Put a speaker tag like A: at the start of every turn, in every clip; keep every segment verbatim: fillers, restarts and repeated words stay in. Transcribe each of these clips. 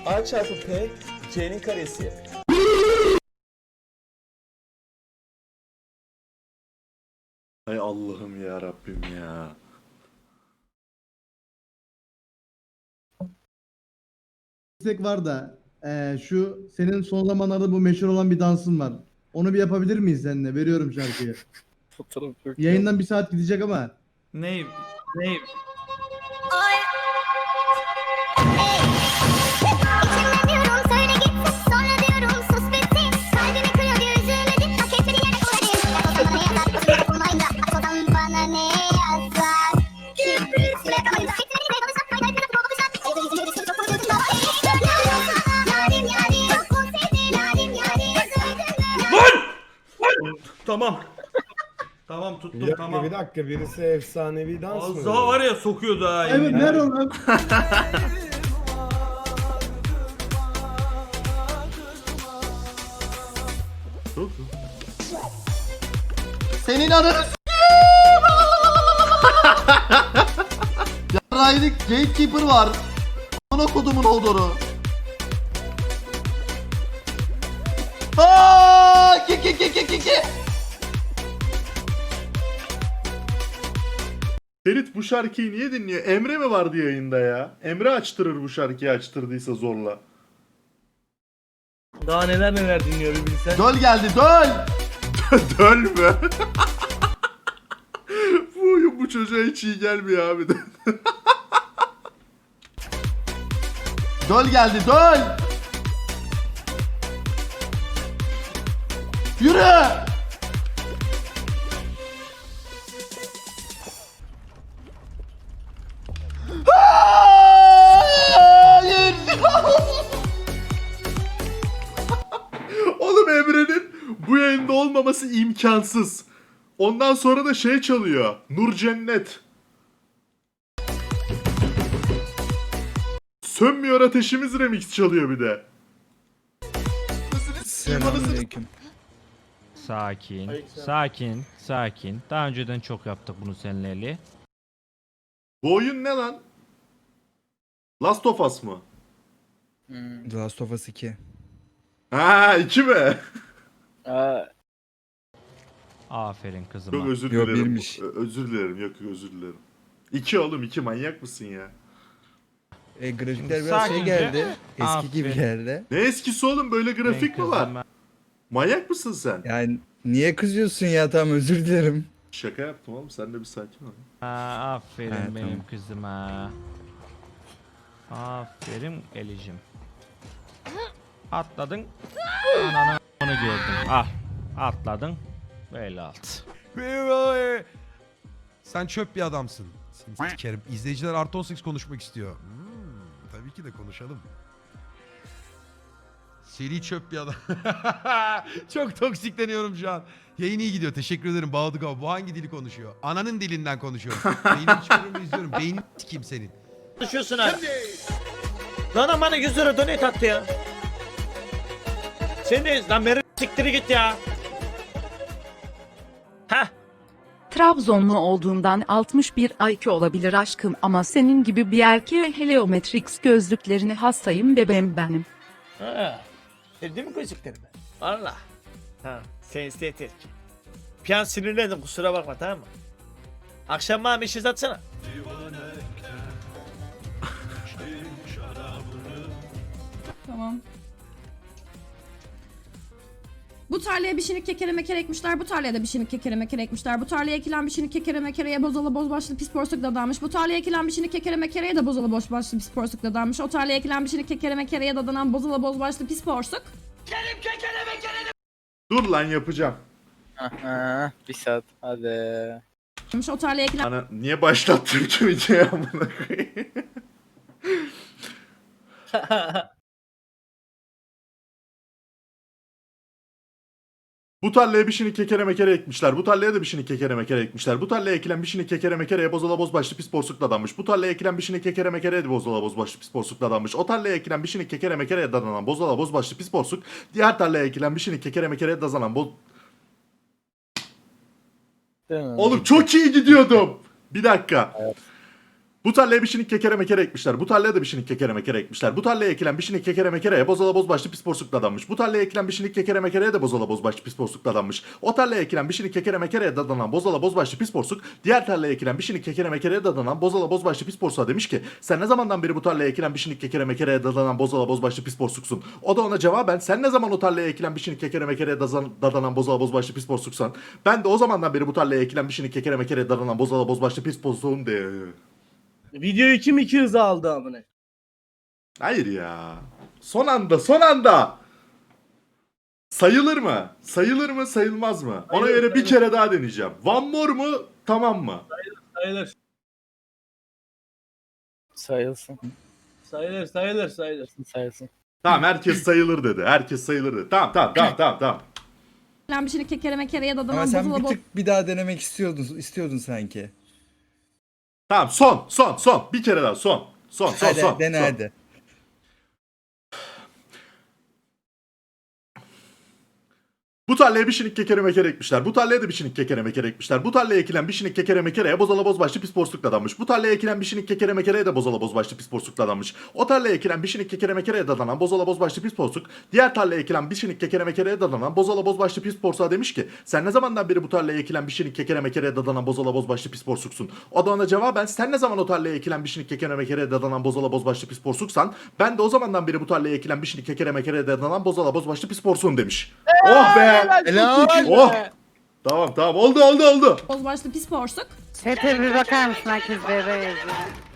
A: A çarpı P C'nin karesi.
B: Hay Allah'ım ya Rabbim ya.
C: istek var da eee, şu senin son zamanlarda bu meşhur olan bir dansın var. Onu bir yapabilir miyiz seninle? Veriyorum şarkıyı. Yayından bir saat gidecek ama.
D: Ney? Ney?
E: İçimden diyorum söyle gitsin, sonra diyorum sus bitsin. Kalbimi kırıyor diye üzülmedim, hak etmediğin yere koyayım. Yapılmayınca atmadan bana ne yazar? Kübrüsü yakamayınca etmediğin yere konuşsak fayda etmeden bu olacak. Evde yüzünü düşün çok konuşuyorsun baba. Yarim yarim çok mu sevdi yarim yarim.
D: Lan! Tamam. Tamam tuttum
F: Bir dakika,
D: tamam.
F: bir dakika, birisi efsanevi dans mı?
D: Az daha var ya sokuyordu ha.
C: Evet
D: yemin
C: ver
D: ederim.
C: onu.
G: Senin ananı Yarraydık Gatekeeper var. Ana kodumun olduğunu. Aaaa! Ki ki ki ki ki ki.
B: Ferit bu şarkıyı niye dinliyor? Emre mi vardı yayında ya? Emre açtırır bu şarkıyı açtırdıysa zorla.
H: Daha neler neler dinliyor bir bilsen.
G: Döl geldi döl.
B: Döl mü? Bu oyun bu çocuğa hiç iyi gelmiyor abi de.
G: Döl geldi döl. Yürü. Hayır.
B: Oğlum Emre'nin bu yayında olmaması imkansız. Ondan sonra da şey çalıyor. Nur Cennet. Sönmüyor ateşimiz remix çalıyor bir de.
I: Selamünaleyküm. Sakin, sakin, sakin. Daha önceden çok yaptık bunu seninle Ali.
B: Bu oyun ne lan? Last of Us mı?
I: The Last of Us iki.
B: Ha iki mi?
I: Aferin kızıma.
B: Çok özür
I: Yo,
B: dilerim.
I: birmiş.
B: Ö- özür dilerim. Yok yok özür dilerim. İki oğlum iki manyak mısın ya?
I: E, grafikler biraz şey geldi. Eski gibi geldi.
B: Ne eskisi oğlum böyle grafik mi var? Manyak mısın sen?
I: Yani niye kızıyorsun ya, tamam özür dilerim.
B: Şaka yaptım oğlum sen de bir sakin ol.
I: Aa, aferin benim kızıma. Aferin Elicim. Atladın. Ananı onu gördüm. Ah atladın. Böyle alt.
J: Sen çöp bir adamsın. Seni sikerim. İzleyiciler artı on sekiz konuşmak istiyor. Hmm, tabii ki de konuşalım. Seri çöp bir adam. Çok toksikleniyorum şu an. Yayın iyi gidiyor. Teşekkür ederim Bağladık abi. Bu hangi dili konuşuyor? Ananın dilinden konuşuyor. Beynini çıkarıyorum izliyorum. Beynin sikeyim senin.
H: Konuşuyorsun ha. Lan bana yüz lira donate attı ya. Sen de lan beri siktiri git ya. Heh.
K: Trabzonlu olduğundan altmış bir I Q olabilir aşkım ama senin gibi bir erkeğe Heliometrix gözlüklerini hastayım bebeğim benim.
H: Ha. Sevdin mi gözlüklerimi? Valla. Ha. Sen estetik. Bir an sinirlendim kusura bakma tamam mı? Akşam bana bir şey atsana.
L: Tamam. Bu tarlaya bir şinik kekere mekere ekmişler. Bu tarlaya da bir şinik kekere mekere ekmişler. Bu tarlaya ekilen bir şinik kekere mekereye bozalı boz başlı pis porsuk dadanmış. Bu tarlaya ekilen bir şinik kekere mekereye de bozalı boz başlı pis porsuk dadanmış. O tarlaya ekilen bir şinik kekere mekereye dadanan bozalı boz başlı pis porsuk.
H: Kerim kekere mekere.
B: Dur lan yapacağım.
H: Aha, bir saat hadi.
L: O tarlaya ekilen
B: Ana niye başlattın ki videoyu amına koyayım? Bu tarlaya bir şini kekere mekere ekmişler. Bu tarlaya da bir şini kekere mekere ekmişler. Bu tarlaya ekilen bir şini kekere mekereye bozala boz başlı pis porsukla dadanmış. Bu tarlaya ekilen bir şini kekere mekereye de bozala boz başlı pis porsukla dadanmış. O tarlaya ekilen bir şini kekere mekereye dadanan bozala boz başlı pis porsuk. Diğer tarlaya ekilen bir şini kekere mekereye dazanan boz... Oğlum çok iyi gidiyordum. Bir dakika. Bu tarlaya bir şinik kekere mekere ekmişler. Bu tarlaya da bir şinik kekere mekere ekmişler. Bu tarlaya ekilen bir şinik kekere mekereye bozala boz başlı pis porsuklu adammış. Bu tarlaya ekilen bir şinik kekere mekereye de bozala boz başlı pis porsuklu adammış. O tarlaya ekilen bir şinik kekere mekereye dadanan bozala boz başlı pis porsuk diğer tarlaya ekilen bir şinik kekere mekereye dadanan bozala boz başlı pis porsuğa demiş ki sen ne zamandan beri bu tarlaya ekilen bir şinik kekere mekereye dadanan bozala boz başlı pis porsuksun. O da ona cevaben sen ne zaman o tarlaya ekilen bir şinik kekere mekereye dazan- dadanan bozala boz başlı pis porsuksan ben de o zamandan beri bu tarlaya ekilen bir şinik kekere mekereye dadanan bozala boz başlı pis porsuğum de.
A: Videoyu kim iki hıza aldı amına?
B: Hayır ya. Son anda, son anda. Sayılır mı? Sayılır mı, sayılmaz mı? Ona
A: Sayılır,
B: göre bir kere daha deneyeceğim. One more mu? Tamam mı?
A: Sayılır.
F: Sayılsın.
A: Sayılır, sayılır, sayılır.
F: Sayılsın.
B: Tamam, herkes sayılır dedi. Herkes sayılır dedi. Tamam, tamam, tamam, tamam, tamam.
L: ekilen bir şeyini kekere mekereye
M: Ama
L: dadanan
M: sen
L: bozula
M: bir
L: boz
M: tık bir daha denemek istiyordun, istiyordun sanki.
B: Tamam, son, son, son. Bir kere daha son. Son, son,
M: Hadi
B: son.
M: dene
B: son.
M: hadi.
B: Bu tarlaya bir şinik kekere mekere ekmişler. Bu tarlaya da bir şinik kekere mekere ekmişler. Bu tarlaya ekilen bir şinik kekere mekereye bozala boz başlı pis porsuklu adammış. Bu tarlaya ekilen bir şinik kekere mekereye de bozala boz başlı pis porsuklu adammış. O tarlaya ekilen bir şinik kekere mekereye dadanan bozala boz başlı pis porsuk diğer tarlaya ekilen bir şinik kekere mekereye dadanan bozala boz başlı pis porsuğa demiş ki sen ne zamandan beri bu tarlaya ekilen bir şinik kekere mekereye dadanan bozala boz başlı pis porsuksun. O da ona cevaben sen ne zaman o tarlaya ekilen bir şinik kekere mekereye dadanan bozala boz başlı pis porsuksan ben de o zamandan beri bu tarlaya ekilen bir şinik kekere mekereye dadanan bozala boz başlı pis porsuğum demiş. Oh be!
M: Helal.
B: Oh! Tamam tamam oldu oldu oldu.
L: boz başlı pis porsuk.
E: Sete bir bakar mısın herkes bebe yazıyor.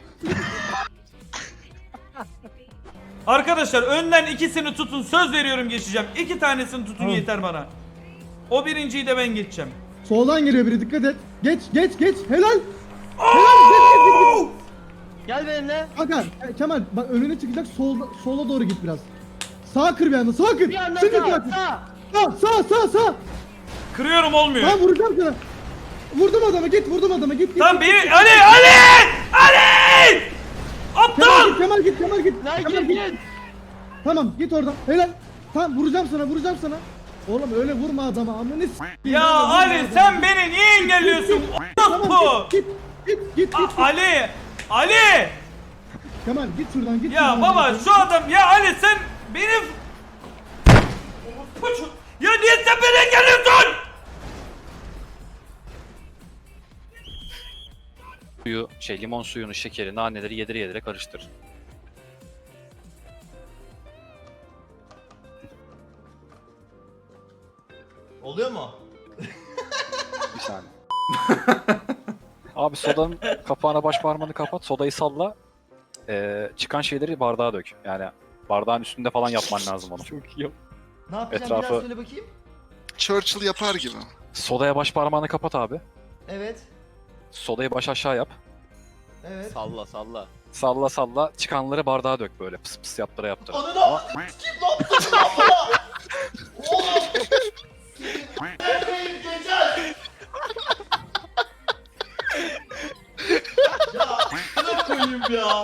D: Arkadaşlar önden ikisini tutun. Söz veriyorum geçeceğim. İki tanesini tutun
C: Tamam.
D: yeter bana. O birinciyi de ben geçeceğim.
C: Soldan geliyor biri, dikkat et. Geç geç geç. Helal.
A: Gel benimle.
C: Hakan, e, Kemal bak önüne çıkacak, solda, sola doğru git biraz. Sağa kır bir anda, sağa kır.
A: Bir anda
C: Şimdi
A: sağ,
C: kır.
A: sağ.
C: Sağ sağ sağ sağ.
D: Kırıyorum olmuyor.
C: Tamam vuracağım sana. Vurdum adama, git vurdum adama, git git.
D: Tamam
C: git,
D: beni
C: git.
D: Ali Ali Ali!
C: Kemal
D: Aptal!
C: git, Kemal git, Kemal git.
A: Lan
C: Kemal
A: git,
C: git.
A: git.
C: Tamam git oradan. Helal. Tamam vuracağım sana, vuracağım sana. Oğlum öyle vurma adama. Amına s**eyim.
D: Ya
C: Öyle vurma
D: Ali
C: adama.
D: sen beni niye engelliyorsun?
C: Tamam
D: Orospu!
C: git git git git. git.
D: A- Ali! Ali!
C: Kemal git şuradan, git.
D: Ya
C: şuradan.
D: baba şu adam ya Ali sen benim Orospu! Ya niye sen beni engelliyorsun?
N: Suyu, şey limon suyunu, şekeri, naneleri yedire yedire karıştır.
A: Oluyor mu?
N: Bir saniye. Abi sodanın kapağına baş parmağını kapat, sodayı salla. Ee, çıkan şeyleri bardağa dök. Yani bardağın üstünde falan yapman lazım onu. Çok iyi.
A: Ne yapacağım
N: Etrafı-
A: biraz söyle bakayım.
G: Churchill yapar gibi.
N: Sodaya baş parmağını kapat abi.
A: Evet.
N: Sodayı baş aşağı yap.
A: Evet.
N: Salla salla. Salla salla. Çıkanları bardağa dök böyle. Pıs pıs yaptıra yaptıra.
A: Ananı a**. Kim ne yaptın lan bana? Oğlum. Neredeyim geçer? Ya ne koyayım ya?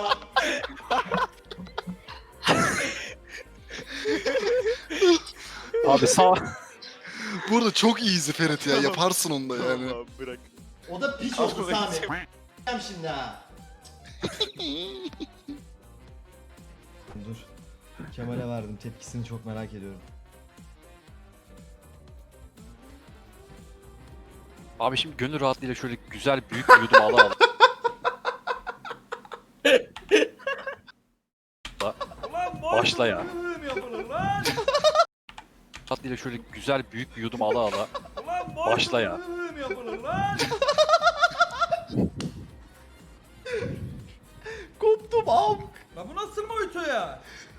N: Abi sağ...
G: Bu arada çok easy Ferit ya. Yaparsın onu da yani.
A: O da piç oldu Sami. Ben şimdi ha.
M: Dur. Kemal'e verdim. Tepkisini çok merak ediyorum.
N: Abi şimdi gönül rahatlığıyla şöyle güzel büyük bir yudum ala al.
D: Ulan boş
N: Başla ya.
D: bölüm yapılır lan.
N: Rahatlığıyla şöyle güzel büyük bir yudum ala ala.
D: Ulan boş
N: Başla ya.
D: bölüm yapılır lan.
A: Koptum am.
D: La bu nasıl boyutu ya?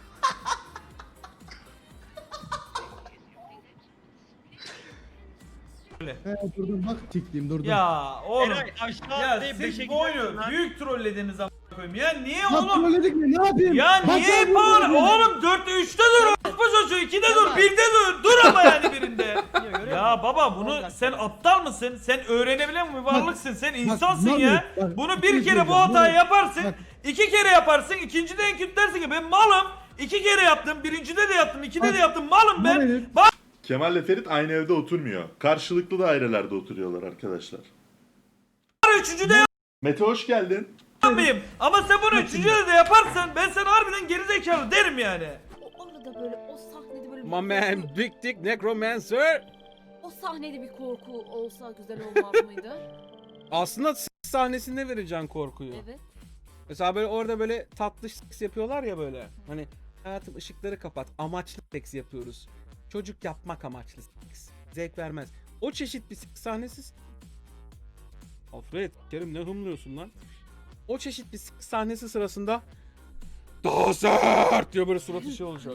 C: He durdum bak, tikliyim durdum.
D: Ya oğlum.
A: aşağı
D: Ya siz bu oyunu büyük trollediniz ama koyayım. Ya niye
C: Bak
D: oğlum?
C: trolledik mi? Ne yapayım?
D: Ya
C: Bak
D: niye
C: ya,
D: bağır?
C: vurdum.
D: Oğlum dörtte üçte dur. Orospu çocuğu ikide dur. Birde dur. Dur ama yani birinde. Ya baba bunu sen aptal mısın? Sen öğrenebilen bir varlıksın. Sen insansın
C: bak,
D: ya.
C: bak,
D: Bunu
C: bir
D: bir
C: şey
D: kere bu
C: söyleyeceğim,
D: hatayı
C: bak,
D: yaparsın.
C: bak.
D: iki kere yaparsın. İkincide en kötü dersin ki ben malım. İki kere yaptım. Birincide de yaptım. ikide de
C: Bak,
D: yaptım. Malım ben.
C: Hayır.
B: Kemal ile Ferit aynı evde oturmuyor. Karşılıklı dairelerde oturuyorlar arkadaşlar.
D: Üçüncüde
B: Mete hoş geldin.
D: mıyım? Ama sen bunu üçüncüde de yaparsan ben sana harbiden gerizekalı derim yani.
L: Orada böyle o sahnede böyle
F: My man Big Dick Necromancer.
L: o sahnede bir korku olsa güzel olmaz mıydı?
F: Aslında s- sahnesinde vereceksin korkuyu.
L: Evet.
F: Mesela böyle orada böyle tatlı seks yapıyorlar ya böyle. Hani hayatım ışıkları kapat. Amaçlı seks yapıyoruz. Çocuk yapmak amaçlı seks. Zevk vermez. O çeşit bir seks sahnesi. Alfred, Kerim ne hımlıyorsun lan? O çeşit bir seks sahnesi sırasında daha sert diyor böyle suratı şey olacak.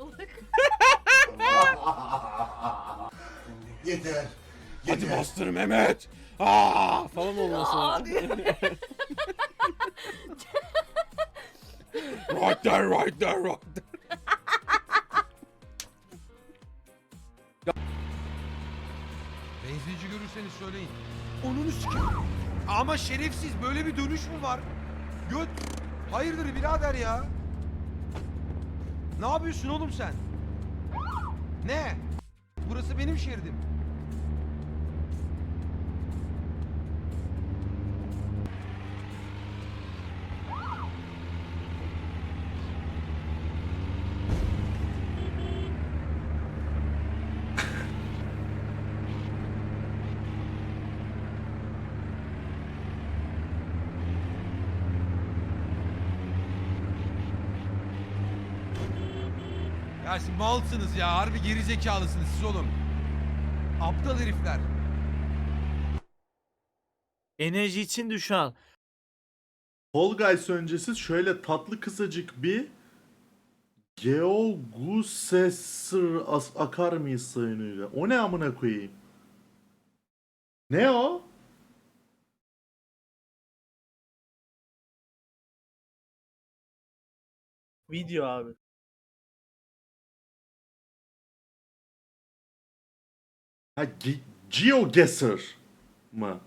A: Yeter.
F: Hadi bastır Mehmet. Aa falan olması. Right there, right there, right there.
J: Benzinci görürseniz söyleyin. Onunu sikeyim. Ama şerefsiz böyle bir dönüş mü var? Göt. Hayırdır birader ya? Ne yapıyorsun oğlum sen? Ne? Burası benim şeridim. Ya siz malsınız ya. Harbi gerizekalısınız siz oğlum. Aptal herifler.
H: Enerji için duş al.
B: Fall Guys öncesi şöyle tatlı kısacık bir Geogusessor as akar mıyız sayınıyla? O ne amına koyayım? Ne o?
M: Video abi.
B: Ha Ge GeoGuessr mı?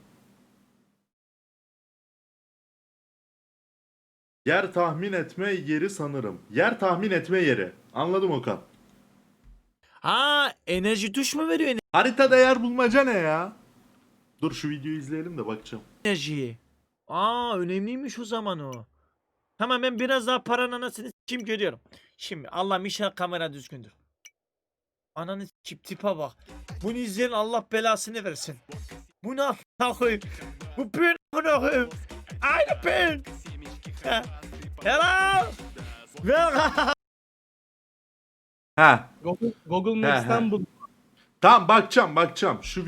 B: Yer tahmin etme yeri sanırım. Yer tahmin etme yeri. Anladım Okan.
H: Ha, enerji duş mu veriyor
B: Haritada yer bulmaca ne ya? Dur şu videoyu izleyelim de bakacağım.
H: enerjiyi? Aa, önemliymiş o zaman o. Tamam, ben biraz daha paranın anasını s**eyim görüyorum. Şimdi Allah'ım inşallah kamera düzgündür. Ananı s**eyim tipe bak. Bunu izleyen Allah belasını versin. Bu ne a**ına koyayım? Bu ben a**ına koyayım. Aynı ben. Ha. Hello. Welcome.
B: Ha.
C: Google, Google
B: He, he.
C: Maps'ten bul.
B: Tamam bakacağım bakacağım. Şu